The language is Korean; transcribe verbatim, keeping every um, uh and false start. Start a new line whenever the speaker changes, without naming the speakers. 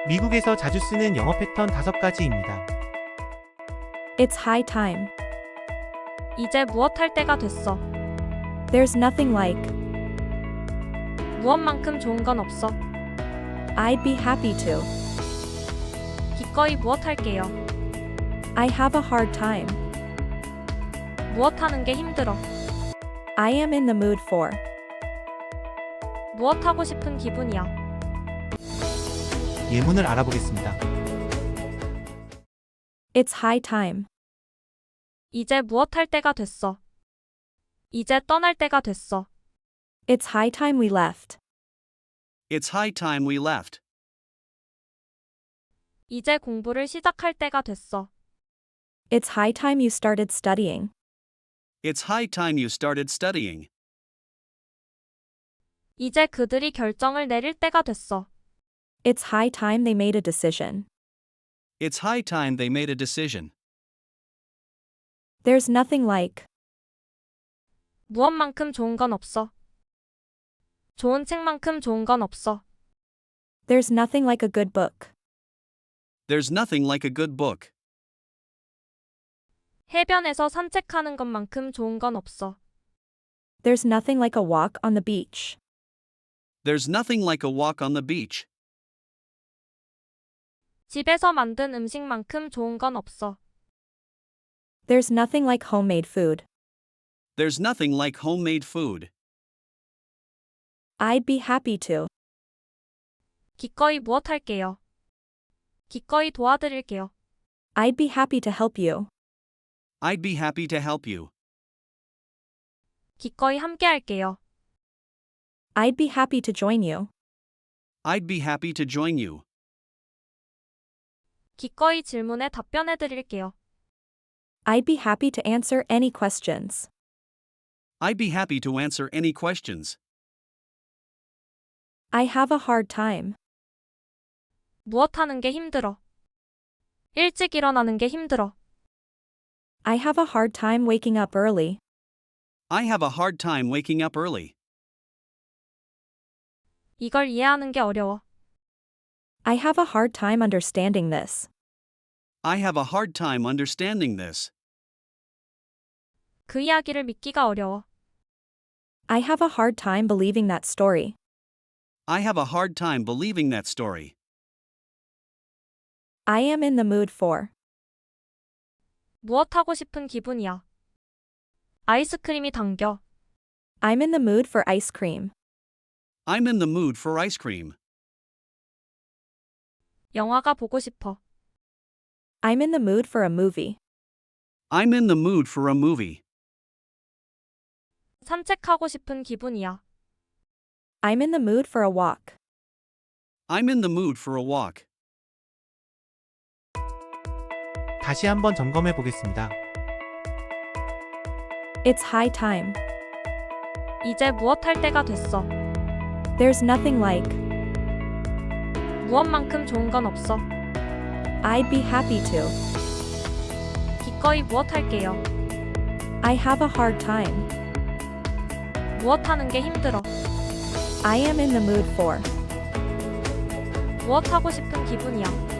미국에서 자주 쓰는 영어 패턴 다섯 가지입니다.
It's high time.
이제 무엇 할 때가 됐어.
There's nothing like.
무엇만큼 좋은 건 없어.
I'd be happy to.
기꺼이 무엇 할게요.
I have a hard time.
무엇 하는 게 힘들어.
I am in the mood for.
무엇 하고 싶은 기분이야.
예문을 알아보겠습니다.
It's high time.
이제 무엇 할 때가 됐어. 이제 떠날 때가 됐어.
It's high time we left.
It's high time we left.
이제 공부를 시작할 때가 됐어.
It's high time you started studying.
It's high time you started studying.
이제 그들이 결정을 내릴 때가 됐어.
It's high time they made a decision.
It's high time they made a decision.
There's nothing like.
무엇만큼 좋은 건 없어. 좋은 책만큼 좋은 건 없어.
There's nothing like a good book.
There's nothing like a good book.
해변에서 산책하는 것만큼 좋은 건 없어.
There's nothing like a walk on the beach.
There's nothing like a walk on the beach.
집에서 만든 음식만큼 좋은 건 없어.
There's nothing like homemade food.
There's nothing like homemade food.
I'd be happy to.
기꺼이 무엇 할게요. 기꺼이 도와드릴게요.
I'd be happy to help you.
I'd be happy to help you.
기꺼이 함께 할게요.
I'd be happy to join you.
I'd be happy to join you.
기꺼이 질문에 답변해 드릴게요.
I'd be happy to answer any questions.
I'd be happy to answer any questions.
I have a hard time.
무엇 하는 게 힘들어. 일찍 일어나는 게 힘들어.
I have a hard time waking up early.
I have a hard time waking up early.
이걸 이해하는 게 어려워.
I have a hard time understanding this.
I have a hard time understanding this.
그 이야기를 믿기가 어려워.
I have a hard time believing that story.
I have a hard time believing that story.
I am in the mood for.
무엇 하고 싶은 기분이야. 아이스크림이 당겨.
I'm in the mood for ice cream.
I'm in the mood for ice cream.
영화가 보고 싶어.
I'm in the mood for a movie.
I'm in the mood for a movie.
산책하고 싶은 기분이야.
I'm in the mood for a walk.
I'm in the mood for a walk.
다시 한번 점검해 보겠습니다.
It's high time.
이제 무엇 할 때가 됐어.
There's nothing like.
무엇만큼 좋은 건 없어.
I'd be happy to.
기꺼이 무엇 할게요.
I have a hard time.
무엇 하는 게 힘들어.
I am in the mood for.
무엇 하고 싶은 기분이야.